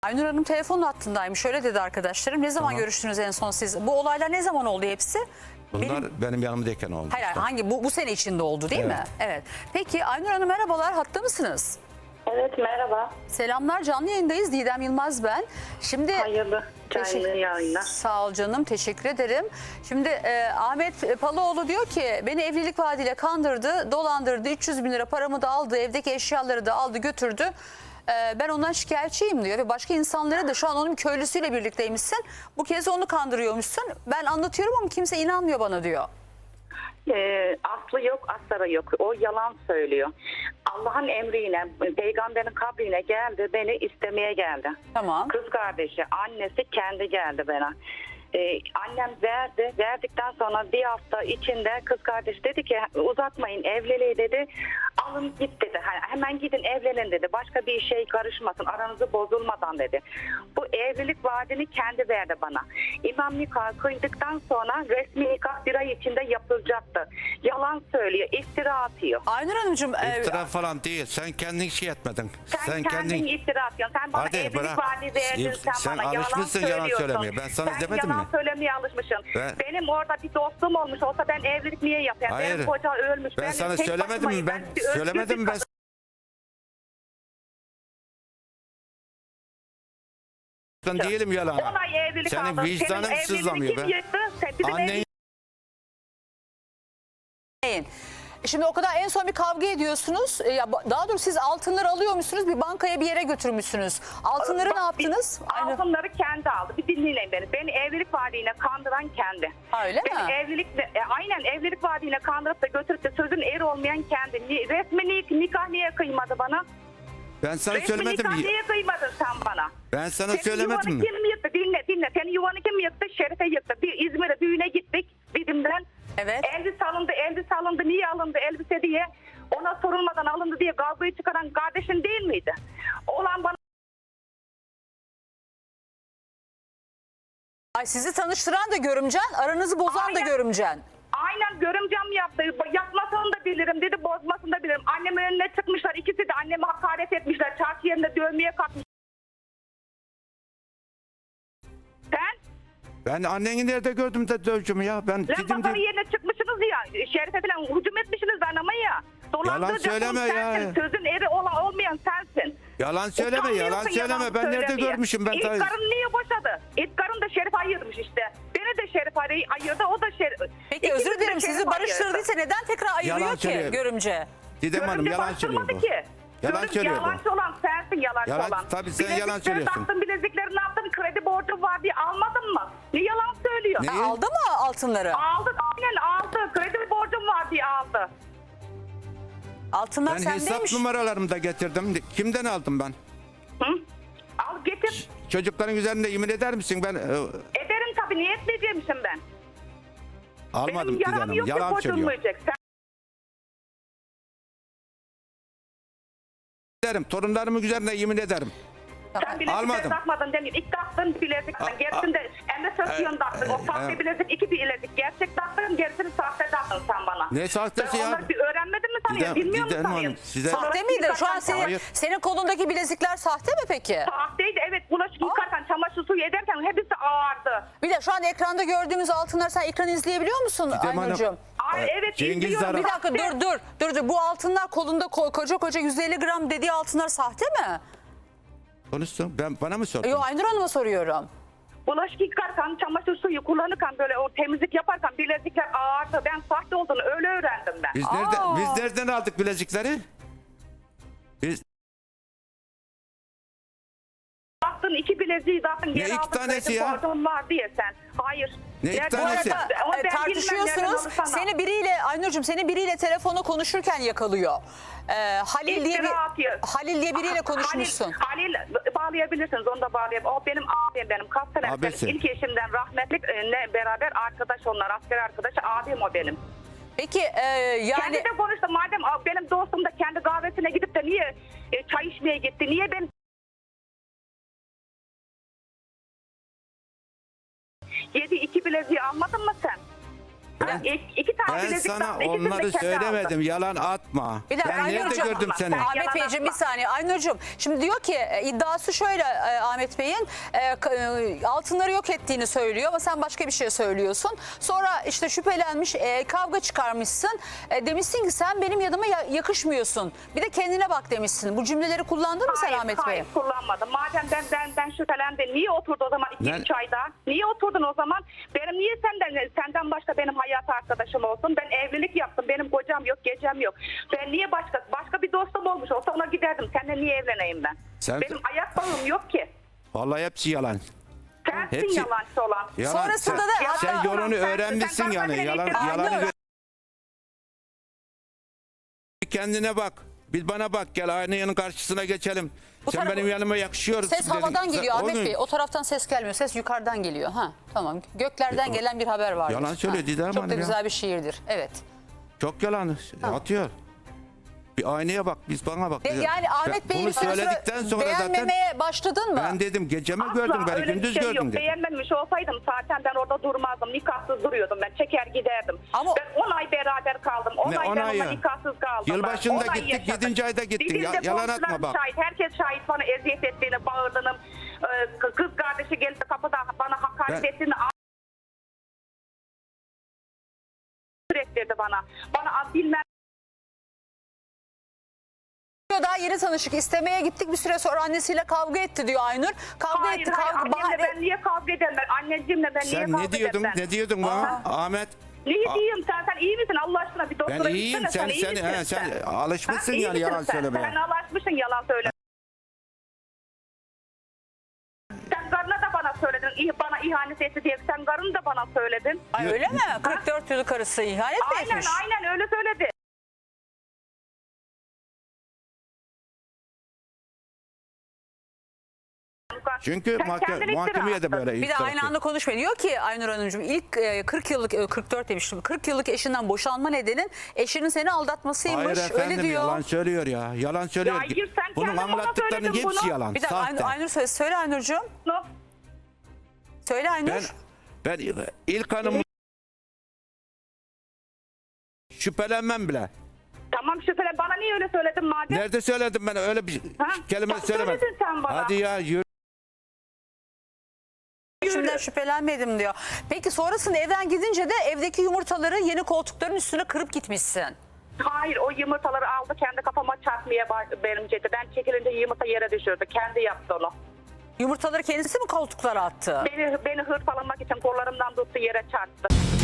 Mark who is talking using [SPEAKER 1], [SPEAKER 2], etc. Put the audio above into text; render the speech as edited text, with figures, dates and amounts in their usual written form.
[SPEAKER 1] Aynur Hanım telefon hattındaymış. Şöyle dedi arkadaşlarım. Ne zaman
[SPEAKER 2] Tamam.
[SPEAKER 1] görüştünüz en son siz? Bu olaylar ne zaman oldu hepsi?
[SPEAKER 2] Bunlar benim yanımdayken oldu.
[SPEAKER 1] Hayır,
[SPEAKER 2] işte.
[SPEAKER 1] hangi bu sene içinde oldu değil mi?
[SPEAKER 2] Evet.
[SPEAKER 1] Evet. Peki Aynur Hanım merhabalar. Hatta mısınız?
[SPEAKER 3] Evet, merhaba.
[SPEAKER 1] Selamlar, canlı yayındayız. Didem Yılmaz ben. Şimdi
[SPEAKER 3] Hayırlı canlı yayınlar.
[SPEAKER 1] Sağ ol canım, teşekkür ederim. Şimdi Ahmet Paloğlu diyor ki beni evlilik vaadiyle kandırdı, dolandırdı, 300 bin lira paramı da aldı, evdeki eşyaları da aldı götürdü. Ben ondan şikayetçiyim diyor ve başka insanlara da şu an onun köylüsüyle birlikteymişsin. Bu kez onu kandırıyormuşsun. Ben anlatıyorum ama kimse inanmıyor bana diyor.
[SPEAKER 3] Aslı yok, astarı yok. O yalan söylüyor. Allah'ın emriyle, peygamberin kabrine geldi, beni istemeye geldi.
[SPEAKER 1] Tamam.
[SPEAKER 3] Kız kardeşi, annesi kendi geldi bana. Annem verdi. Verdikten sonra bir hafta içinde kız kardeş dedi ki uzatmayın evliliği dedi. Alın git dedi. Hemen gidin evlenin dedi. Başka bir şey karışmasın. Aranızı bozulmadan dedi. Bu evlilik vaadini kendi verdi bana. İmam nikah kıydıktan sonra resmi nikah bir ay içinde yapılacaktı. Yalan söylüyor. İftira atıyor.
[SPEAKER 1] Aynur Hanımcığım.
[SPEAKER 2] İftira falan değil. Sen kendin şey etmedin.
[SPEAKER 3] Sen kendin iftira atıyorsun. Sen bana
[SPEAKER 2] Hadi
[SPEAKER 3] evlilik
[SPEAKER 2] bırak.
[SPEAKER 3] vaadi verdin.
[SPEAKER 2] Sen
[SPEAKER 3] bana
[SPEAKER 2] alışmışsın
[SPEAKER 3] yalan
[SPEAKER 2] yalan
[SPEAKER 3] söylüyorsun.
[SPEAKER 2] söylemeye. Ben sana
[SPEAKER 3] Sen
[SPEAKER 2] demedim mi?
[SPEAKER 3] yalan söylemeye alışmışsın. Benim orada bir dostum olmuş olsa ben evlilik niye yapayım?
[SPEAKER 2] Hayır.
[SPEAKER 3] Benim koca ölmüş.
[SPEAKER 2] Ben sana
[SPEAKER 3] tek
[SPEAKER 2] söylemedim mi?
[SPEAKER 3] başımayım.
[SPEAKER 2] Ben
[SPEAKER 3] bir özgür
[SPEAKER 2] söylemedim mi?
[SPEAKER 3] bir
[SPEAKER 2] Ben ben değilim yalan.
[SPEAKER 3] Olay evlilik
[SPEAKER 2] Senin
[SPEAKER 3] aldın.
[SPEAKER 2] vicdanın
[SPEAKER 3] Senin
[SPEAKER 2] sızlamıyor
[SPEAKER 3] evliliğini
[SPEAKER 2] be.
[SPEAKER 3] kim yıktı? Bizim
[SPEAKER 2] Annen
[SPEAKER 1] Şimdi o kadar en son bir kavga ediyorsunuz. Daha doğrusu siz altınları alıyormuşsunuz, bir bankaya bir yere götürmüşsünüz. Altınları ne yaptınız? Aynı.
[SPEAKER 3] Altınları kendi aldı. Bir dinleyin beni. Beni evlilik vaadiyle kandıran kendi.
[SPEAKER 1] Ha, öyle
[SPEAKER 3] Beni
[SPEAKER 1] mi?
[SPEAKER 3] aynen evlilik vaadiyle kandırıp da götürüp de sözün eri olmayan kendi. Resmi nikah niye kıymadı bana?
[SPEAKER 2] ben sana
[SPEAKER 3] Resmi
[SPEAKER 2] söylemedim
[SPEAKER 3] nikah
[SPEAKER 2] mi?
[SPEAKER 3] niye kıymadın sen bana?
[SPEAKER 2] Ben sana
[SPEAKER 3] Senin
[SPEAKER 2] söylemedim
[SPEAKER 3] yuvanı
[SPEAKER 2] mi?
[SPEAKER 3] kim yıktı? Dinle. Senin yuvanı kim yıktı? Şerife yıktı. Bir İzmir'e düğüne gittik Didim'den.
[SPEAKER 1] Evet.
[SPEAKER 3] Elbise alındı. Niye alındı elbise diye? Ona sorulmadan alındı diye kavgayı çıkaran kardeşin değil miydi? Olan bana
[SPEAKER 1] Ay, sizi tanıştıran da görümcen, aranızı bozan da
[SPEAKER 3] Aynen.
[SPEAKER 1] görümcen.
[SPEAKER 3] aynen görümcem yaptı. Yapmasını da bilirim dedi, bozmasını da bilirim. Annemin önüne çıkmışlar. İkisi de anneme hakaret etmişler. Çarşı yerinde dövmeye kalkmış. Sen?
[SPEAKER 2] Ben anneni nerede gördüm de dövcümü ya? Ben
[SPEAKER 3] Lan
[SPEAKER 2] dedim
[SPEAKER 3] pazarı
[SPEAKER 2] de
[SPEAKER 3] yerine çıkmışsınız ya. Şerife falan hücum etmişsiniz anama ya.
[SPEAKER 2] Yalan söyleme ya.
[SPEAKER 3] Sensin. Sözün eri olmayan sensin.
[SPEAKER 2] yalan söyleme, yalan
[SPEAKER 3] Utanmıyorsun
[SPEAKER 2] söyleme.
[SPEAKER 3] yalan
[SPEAKER 2] Ben nerede
[SPEAKER 3] söylemeye.
[SPEAKER 2] görmüşüm ben?
[SPEAKER 3] İlk karın niye boşadı? İlk karın da Şerif ayırmış işte. Beni de Şerif ayırdı, o da Şerif.
[SPEAKER 1] Peki
[SPEAKER 3] İkimiz
[SPEAKER 1] özür
[SPEAKER 3] de
[SPEAKER 1] dilerim,
[SPEAKER 3] Şerif
[SPEAKER 1] sizi barıştırdıysa
[SPEAKER 3] ayırdı.
[SPEAKER 1] neden tekrar ayırıyor
[SPEAKER 2] Yalan
[SPEAKER 1] ki
[SPEAKER 2] söylüyor.
[SPEAKER 1] görümce?
[SPEAKER 2] Didem Hanım
[SPEAKER 3] Görümce
[SPEAKER 2] yalan söylüyor
[SPEAKER 3] bastırmadı
[SPEAKER 2] bu.
[SPEAKER 3] ki.
[SPEAKER 2] Yalan söylüyor bu.
[SPEAKER 3] Yalancı olan sensin, yalancı
[SPEAKER 2] Yalan-
[SPEAKER 3] olan.
[SPEAKER 2] tabii sen yalan
[SPEAKER 3] Bilezikleri
[SPEAKER 2] söylüyorsun.
[SPEAKER 3] taktın, bilezikleri ne yaptın? Kredi borcum var diye almadın mı? Ne yalan söylüyor?
[SPEAKER 2] Ne?
[SPEAKER 1] Aldı mı altınları?
[SPEAKER 3] Aldı, aynen aldı. Kredi borcum var diye aldı.
[SPEAKER 1] Altınlar
[SPEAKER 2] Ben hesap
[SPEAKER 1] sendeymiş.
[SPEAKER 2] numaralarımı da getirdim. Kimden aldım ben?
[SPEAKER 3] Hı? Al getir.
[SPEAKER 2] Çocukların üzerinde yemin eder misin? Ben
[SPEAKER 3] Ederim tabii, niye etmeyeceğimsin ben?
[SPEAKER 2] almadım
[SPEAKER 3] Benim
[SPEAKER 2] Didem
[SPEAKER 3] yaram
[SPEAKER 2] Hanım.
[SPEAKER 3] yok ki
[SPEAKER 2] Yalan söylüyor.
[SPEAKER 3] bozulmayacak. Sen
[SPEAKER 2] Ederim. Torunlarımın üzerine yemin ederim.
[SPEAKER 3] Sen bilezikleri
[SPEAKER 2] Almadım.
[SPEAKER 3] takmadın demeyeyim. İlk taktın bilezik. Gerisinde Emre Sözcüğün taktın. O sahte bilezik, iki bilezik. Gerçek taktın, gerisini sahte taktın sen bana.
[SPEAKER 2] Ne sahtesi
[SPEAKER 3] Ben
[SPEAKER 2] ya?
[SPEAKER 3] onları bir öğrenmedin mi sanıyorsun? Bilmiyor musun
[SPEAKER 2] Didem Hanım,
[SPEAKER 3] sanıyorsun?
[SPEAKER 2] size-
[SPEAKER 1] Sahte miydi? Şu an
[SPEAKER 2] Hayır.
[SPEAKER 1] senin kolundaki bilezikler sahte mi peki?
[SPEAKER 3] Sahteydi, evet. Bulaşık yıkarken, çamaşır suyu ederken hepsi ağırdı.
[SPEAKER 1] Bir de şu an ekranda gördüğümüz altınlar, sen ekranı izleyebiliyor musun
[SPEAKER 2] Didem Hanım,
[SPEAKER 1] Aynur'cum?
[SPEAKER 3] Ay evet,
[SPEAKER 2] Cengiz
[SPEAKER 3] izliyorum.
[SPEAKER 2] Zara-
[SPEAKER 1] Bir dakika dur. Bu altınlar kolunda koca 150 gram dediği altınlar sahte mi?
[SPEAKER 2] Konuşsun. Bana mı sordun?
[SPEAKER 1] Yok, Aynur Hanım'a soruyorum.
[SPEAKER 3] Bulaşık yıkarken, çamaşır suyu kullanırken, böyle o temizlik yaparken bilezikler ağırdı. Ben sahte olduğunu öyle öğrendim ben.
[SPEAKER 2] Biz nereden aldık bilezikleri? Biz
[SPEAKER 3] Baktın iki bileziği zaten geri
[SPEAKER 2] iki
[SPEAKER 3] aldın.
[SPEAKER 2] tanesi
[SPEAKER 3] kredi
[SPEAKER 2] ya?
[SPEAKER 3] borcun var diye sen. Hayır.
[SPEAKER 2] Ne iki
[SPEAKER 3] Nerede-
[SPEAKER 2] tanesi?
[SPEAKER 3] Ama ben bilmem nereden
[SPEAKER 1] Tartışıyorsunuz.
[SPEAKER 3] olur sana.
[SPEAKER 1] Seni biriyle Aynur'cum, seni biriyle telefonda konuşurken yakalıyor. Halil
[SPEAKER 3] İftira atıyor.
[SPEAKER 1] Halil diye biriyle konuşmuşsun.
[SPEAKER 3] Halil bağlayabilirsiniz, onu da bağlayabilirsiniz. O benim abim, benim kaç sene
[SPEAKER 2] Abisi.
[SPEAKER 3] ilk eşimden rahmetlikle beraber arkadaş onlar, asker arkadaşı, abim o benim.
[SPEAKER 1] Peki yani
[SPEAKER 3] Kendi de konuştu, madem benim dostum da kendi kahvesine gidip de niye çay içmeye gitti, niye ben iki bileziği almadın mı sen? İki tane
[SPEAKER 2] Ben
[SPEAKER 3] bilezik
[SPEAKER 2] sana
[SPEAKER 3] taktı, ikisini de
[SPEAKER 2] onları
[SPEAKER 3] kendi
[SPEAKER 2] söylemedim.
[SPEAKER 3] aldı.
[SPEAKER 2] Yalan atma.
[SPEAKER 1] Bir dakika,
[SPEAKER 2] Ben nerede
[SPEAKER 1] Aynurcuğum.
[SPEAKER 2] gördüm seni?
[SPEAKER 3] Ben-
[SPEAKER 1] Ahmet
[SPEAKER 3] Yalan
[SPEAKER 1] Beyciğim bir
[SPEAKER 3] atma.
[SPEAKER 1] saniye. Aynurcuğum şimdi diyor ki iddiası şöyle Ahmet Bey'in altınları yok ettiğini söylüyor ama sen başka bir şey söylüyorsun. Sonra işte şüphelenmiş kavga çıkarmışsın. Demişsin ki sen benim yanıma yakışmıyorsun. Bir de kendine bak demişsin. Bu cümleleri kullandın mı sen Ahmet Bey?
[SPEAKER 3] Hayır kullanmadım. Madem ben şüphelendim. Niye oturdu o zaman
[SPEAKER 2] Ne?
[SPEAKER 3] 2-3 ayda? Niye oturdun o zaman? Benim niye senden başka benim hayat arkadaşım olsun? Ben evlilik yaptım. Benim kocam yok, gecem yok. Ben niye başka bir dostum olmuş olsa ona giderdim. Seninle niye evleneyim ben?
[SPEAKER 2] Sen-
[SPEAKER 3] Benim ayak bağım yok ki.
[SPEAKER 2] Vallahi hepsi yalan.
[SPEAKER 3] Sensin
[SPEAKER 2] Hepsi-
[SPEAKER 3] yalancı olan.
[SPEAKER 2] Yalan.
[SPEAKER 1] Sonrasında da
[SPEAKER 2] sen,
[SPEAKER 1] hatta-
[SPEAKER 2] sen yolunu
[SPEAKER 3] Sen-
[SPEAKER 2] öğrenmişsin
[SPEAKER 3] sen
[SPEAKER 2] yani.
[SPEAKER 3] bana
[SPEAKER 2] Yalan,
[SPEAKER 3] elektrik-
[SPEAKER 2] yalanı
[SPEAKER 1] Aynur.
[SPEAKER 2] Bir kendine bak. Bir bana bak, gel aynanın karşısına geçelim.
[SPEAKER 1] Bu
[SPEAKER 2] Sen
[SPEAKER 1] tarafa-
[SPEAKER 2] benim yanıma yakışıyorsun.
[SPEAKER 1] Ses
[SPEAKER 2] dedin.
[SPEAKER 1] havadan
[SPEAKER 2] Sen-
[SPEAKER 1] geliyor
[SPEAKER 2] o
[SPEAKER 1] Ahmet
[SPEAKER 2] gün-
[SPEAKER 1] Bey. O taraftan ses gelmiyor. Ses yukarıdan geliyor. Ha tamam. Göklerden gelen bir haber var.
[SPEAKER 2] Yalan söylüyor Didem
[SPEAKER 1] Çok
[SPEAKER 2] Hanım
[SPEAKER 1] da
[SPEAKER 2] ya.
[SPEAKER 1] güzel bir şiirdir. Evet.
[SPEAKER 2] Çok yalan atıyor. Bir aynaya bak, biz bana bak.
[SPEAKER 1] Yani Ahmet Bey'i
[SPEAKER 2] Bunu
[SPEAKER 1] bir süre
[SPEAKER 2] söyledikten sonra zaten
[SPEAKER 1] beğenmemeye başladın mı?
[SPEAKER 2] ben dedim gecemi
[SPEAKER 3] Asla
[SPEAKER 2] gördüm, beni
[SPEAKER 3] öyle bir
[SPEAKER 2] gündüz
[SPEAKER 3] şey
[SPEAKER 2] gördüm
[SPEAKER 3] yok.
[SPEAKER 2] dedim.
[SPEAKER 3] Beğenmemiş olsaydım zaten ben orada durmazdım. Nikahsız duruyordum ben. Çeker giderdim.
[SPEAKER 1] Ama-
[SPEAKER 3] Ben 10 ay beraber kaldım. 10
[SPEAKER 2] Ne,
[SPEAKER 3] ay
[SPEAKER 2] 10
[SPEAKER 3] ben
[SPEAKER 2] ay
[SPEAKER 3] onunla
[SPEAKER 2] ya?
[SPEAKER 3] nikahsız kaldım.
[SPEAKER 2] Yılbaşında
[SPEAKER 3] ben. 10 ay
[SPEAKER 2] gittik,
[SPEAKER 3] yaşadım.
[SPEAKER 2] 7. ayda gittin.
[SPEAKER 3] Bir de
[SPEAKER 2] Yalan atma
[SPEAKER 3] komşularım
[SPEAKER 2] bak.
[SPEAKER 3] Şahit. Herkes şahit bana eziyet ettiğini, bağırdığını, kız kardeşi geldi kapıda bana hakaret
[SPEAKER 2] Ben-
[SPEAKER 3] ettiğini ettirdi bana. Bana bilmem
[SPEAKER 1] Daha yeni tanışık. İstemeye gittik, bir süre sonra annesiyle kavga etti diyor Aynur. Kavga
[SPEAKER 3] hayır,
[SPEAKER 1] etti.
[SPEAKER 3] hayır,
[SPEAKER 1] Kavga
[SPEAKER 3] annemle ben niye kavga ederim ben? Anneciğimle ben niye
[SPEAKER 2] Sen
[SPEAKER 3] kavga
[SPEAKER 2] ne diyordun?
[SPEAKER 3] ederim ben?
[SPEAKER 2] Ne diyordun bana? Ahmet.
[SPEAKER 3] Neyi diyeyim sen iyi misin Allah aşkına bir doktora
[SPEAKER 2] Ben iyiyim.
[SPEAKER 3] gitsene,
[SPEAKER 2] Sen
[SPEAKER 3] iyi misin
[SPEAKER 2] sen alışmışsın
[SPEAKER 3] Ha, iyi
[SPEAKER 2] yani
[SPEAKER 3] misin
[SPEAKER 2] yalan
[SPEAKER 3] sen?
[SPEAKER 2] söylemeye.
[SPEAKER 3] Sen alışmışsın yalan söyle. Sen karına da bana söyledin. Bana ihanet etti diye. Sen karını da bana söyledin.
[SPEAKER 1] Ay öyle mi? 44 yıllık karısı ihanet mi
[SPEAKER 3] Aynen
[SPEAKER 1] etmiş?
[SPEAKER 3] aynen öyle söyledi.
[SPEAKER 2] Çünkü
[SPEAKER 3] Sen kendin
[SPEAKER 2] mahkemeye de
[SPEAKER 3] iftira
[SPEAKER 2] böyle
[SPEAKER 1] Bir de
[SPEAKER 2] iftira
[SPEAKER 1] aynı
[SPEAKER 2] atıyor.
[SPEAKER 1] anda konuşmayın. Diyor ki Aynur Hanımcığım ilk 40 yıllık 44 demiştim. 40 yıllık eşinden boşanma nedenin eşinin seni aldatmasıymış.
[SPEAKER 2] Hayır efendim,
[SPEAKER 1] öyle diyor.
[SPEAKER 2] yalan söylüyor ya. Yalan söylüyor.
[SPEAKER 3] Ya hayır, sen
[SPEAKER 2] Bunun
[SPEAKER 3] kendin bana
[SPEAKER 2] anlattıklarının
[SPEAKER 3] söyledin
[SPEAKER 2] hepsi
[SPEAKER 3] bunu.
[SPEAKER 2] yalan.
[SPEAKER 1] Bir dakika
[SPEAKER 2] Sahte.
[SPEAKER 1] Aynur söyle Aynur'cığım.
[SPEAKER 3] lan.
[SPEAKER 1] Söyle Aynur.
[SPEAKER 2] Ben ilk hanım şüphelenmem bile.
[SPEAKER 3] Tamam şüphelen bana niye öyle söyledin madem?
[SPEAKER 2] Nerede söyledim ben öyle bir
[SPEAKER 3] Ha?
[SPEAKER 2] kelime
[SPEAKER 3] Bak,
[SPEAKER 2] söylemedim.
[SPEAKER 3] söyledin sen bana.
[SPEAKER 2] Hadi ya yürü.
[SPEAKER 1] Şimdiden şüphelenmedim diyor. Peki sonrasında evden gidince de evdeki yumurtaları yeni koltukların üstüne kırıp gitmişsin.
[SPEAKER 3] Hayır o yumurtaları aldı kendi kafama çarpmaya benimcedi. Ben çekilince yumurta yere düşürdü. Kendi yaptı onu.
[SPEAKER 1] Yumurtaları kendisi mi koltuklara attı?
[SPEAKER 3] Beni hırpalamak için kollarımdan tuttu yere çarptı.